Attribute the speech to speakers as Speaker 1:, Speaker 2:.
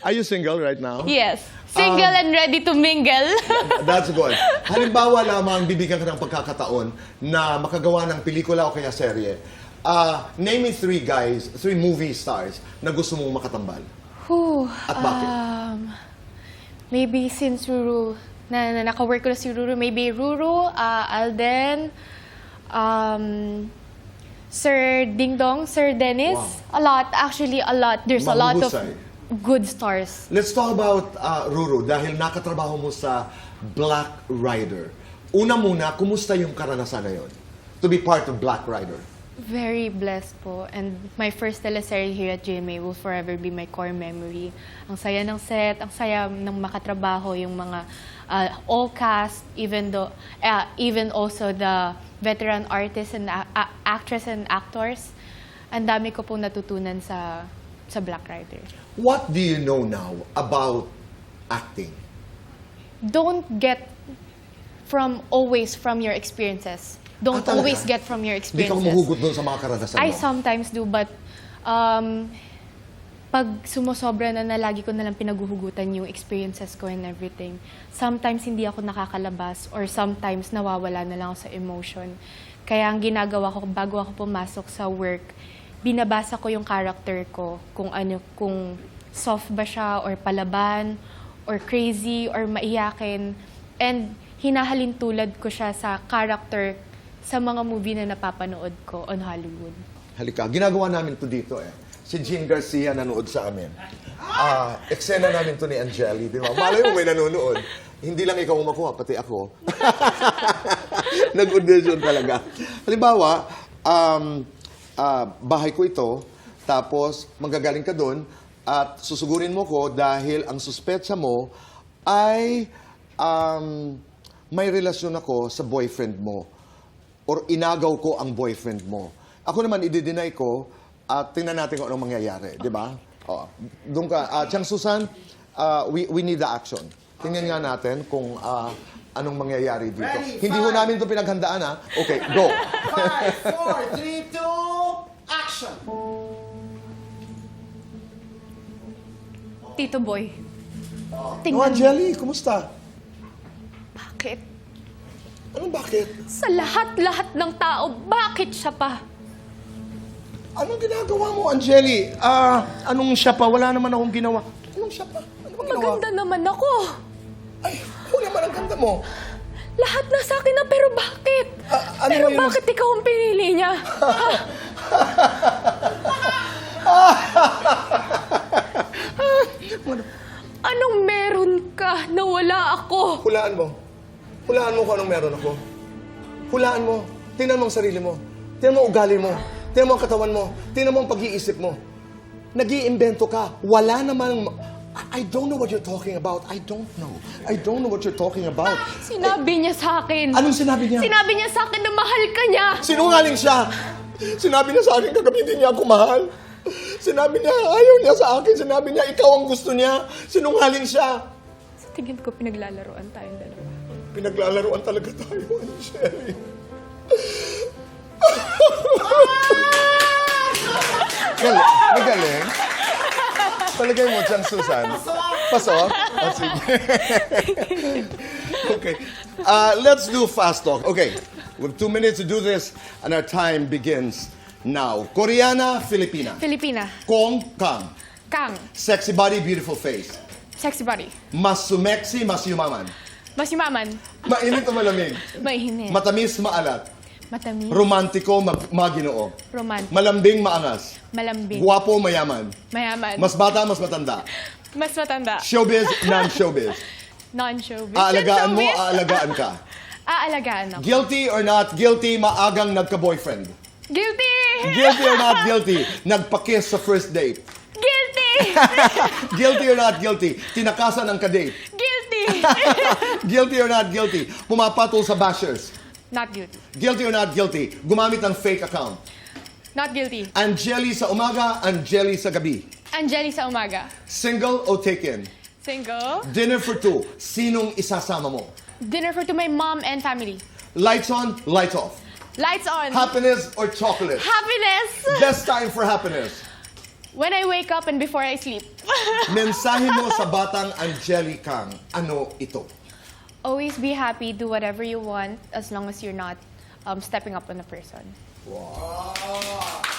Speaker 1: Are you single right now?
Speaker 2: Yes. Single and ready to mingle.
Speaker 1: That's good. Halimbawa lamang, bibigyan ka ng pagkakataon na makagawa ng pelikula o kaya serye. Name me 3 guys, 3 movie stars na gusto mong makatambal.
Speaker 2: Whew,
Speaker 1: At bakit?
Speaker 2: Maybe since Ruru, na naka-work ko na si Ruru, maybe Ruru, Alden, Sir Ding Dong, Sir Dennis.
Speaker 1: Wow.
Speaker 2: A lot, actually a lot. There's a lot of
Speaker 1: Mahusay.
Speaker 2: good stars.
Speaker 1: Let's talk about Ruru dahil nakatrabaho mo sa Black Rider. Una muna, kumusta yung karanasan na yun? To be part of Black Rider.
Speaker 2: Very blessed po. And my first teleserye here at GMA will forever be my core memory. Ang saya ng set, ang saya ng makatrabaho, yung mga all cast, even also the veteran artists and actress and actors. Ang dami ko pong natutunan sa Black Rider.
Speaker 1: What do you know now about acting?
Speaker 2: Don't get always from your experiences. Don't
Speaker 1: Talaga?
Speaker 2: always get from your
Speaker 1: Hindi ka
Speaker 2: experiences.
Speaker 1: mahugot doon sa mga karanasan mo?
Speaker 2: I sometimes do, but pag sumusobra na lagi ko nalang pinaguhugutan yung experiences ko and everything, sometimes hindi ako nakakalabas or sometimes nawawala na lang ako sa emotion. Kaya ang ginagawa ko bago ako pumasok sa work, binabasa ko yung character ko, kung soft ba siya or palaban or crazy or maiyakin, and hinahalin tulad ko siya sa character sa mga movie na napapanood ko on Hollywood.
Speaker 1: Halika, ginagawa namin to dito eh. Si Jean Garcia nanood sa amin. Eksena namin to ni Angeli, di ba? Malay mo may nanonood. Hindi lang ikaw makuha, pati ako. Nag-audition talaga. Halimbawa, bahay ko ito, tapos manggagaling ka doon, at susugurin mo ko dahil ang suspetsa mo ay may relasyon ako sa boyfriend mo or inagaw ko ang boyfriend mo. Ako naman, i-deny ko at tingnan natin kung anong mangyayari. Di ba? Doon ka. Chang Susan, we need the action. Tingnan nga natin kung anong mangyayari dito.
Speaker 3: Ready,
Speaker 1: Hindi ho namin ito pinaghandaan, ha? Okay, go.
Speaker 3: 5, 4, 3, 2, action!
Speaker 2: Tito Boy,
Speaker 1: Oh,
Speaker 2: tingnan mo.
Speaker 1: Angeli, kumusta?
Speaker 2: Bakit?
Speaker 1: Anong bakit?
Speaker 2: Sa lahat-lahat ng tao, bakit siya pa?
Speaker 1: Anong ginagawa mo, Angeli? Anong siya pa? Wala naman akong ginawa. Anong siya pa? Ano bang ginawa?
Speaker 2: Maganda naman ako.
Speaker 1: Ay, ako naman ang ganda mo.
Speaker 2: Lahat na sa akin na, pero bakit?
Speaker 1: Ano
Speaker 2: Pero
Speaker 1: yun?
Speaker 2: bakit ikaw ang pinili niya? Anong meron ka na wala ako?
Speaker 1: Hulaan mo. Hulaan mo kung anong meron ako. Hulaan mo. Tingnan mo ang sarili mo. Tingnan mo ang ugali mo. Tingnan mo ang katawan mo. Tingnan mo ang pag-iisip mo. Nag-iimbento ka. Wala namang... I don't know what you're talking about. I don't know. I don't know what you're talking about.
Speaker 2: Sinabi niya sa akin.
Speaker 1: Anong sinabi niya?
Speaker 2: Sinabi niya sa akin na mahal ka niya.
Speaker 1: Sinungaling siya. Sinabi niya sa akin kagabi hindi niya ako mahal. Sinabi niya ayaw niya sa akin. Sinabi niya ikaw ang gusto niya. Sinungaling siya.
Speaker 2: Sa tingin ko, pinaglalaroan tayong dalawa.
Speaker 1: Pinaglalaroan talaga tayo, Angeli. Galing. Magaling. Palagay mo, Chang Susan. Pasok? Oh, sige. Okay. Let's do fast talk. Okay. We have 2 minutes to do this, and our time begins now. Koreana, Filipina.
Speaker 2: Filipina.
Speaker 1: Kong, Kang.
Speaker 2: Kang.
Speaker 1: Sexy body, beautiful face.
Speaker 2: Sexy body.
Speaker 1: Mas sumeksi, mas yumaman.
Speaker 2: Mas yumaman.
Speaker 1: Mainit o malamig.
Speaker 2: Mainit.
Speaker 1: Matamis, maalat.
Speaker 2: Matamis.
Speaker 1: Romantiko, maginoo.
Speaker 2: Romantic.
Speaker 1: Malambing, maangas.
Speaker 2: Malambing.
Speaker 1: Guwapo, mayaman.
Speaker 2: Mayaman.
Speaker 1: Mas bata, mas matanda.
Speaker 2: Mas matanda.
Speaker 1: Showbiz, non-showbiz.
Speaker 2: Non-showbiz.
Speaker 1: Aalagaan mo,
Speaker 2: Showbiz?
Speaker 1: aalagaan ka.
Speaker 2: Aalagaan ako.
Speaker 1: Guilty or not guilty, maagang nagka-boyfriend.
Speaker 2: Guilty!
Speaker 1: Guilty or not guilty, nagpa-kiss sa first date.
Speaker 2: Guilty!
Speaker 1: Guilty or not guilty, tinakasan ang kadate.
Speaker 2: Guilty!
Speaker 1: Guilty or not guilty, pumapatol sa bashers.
Speaker 2: Not guilty.
Speaker 1: Guilty or not guilty, gumamit ng fake account.
Speaker 2: Not guilty.
Speaker 1: Angeli sa umaga, Angeli sa gabi.
Speaker 2: Angeli sa umaga.
Speaker 1: Single o taken?
Speaker 2: Single.
Speaker 1: Dinner for 2, sinong isasama mo?
Speaker 2: Dinner for to my mom and family.
Speaker 1: Lights on, lights off.
Speaker 2: Lights on.
Speaker 1: Happiness or chocolate?
Speaker 2: Happiness.
Speaker 1: Best time for happiness.
Speaker 2: When I wake up and before I sleep.
Speaker 1: Mensahe mo sa batang Angelicang, ano ito?
Speaker 2: Always be happy, do whatever you want as long as you're not stepping up on a person.
Speaker 1: Wow!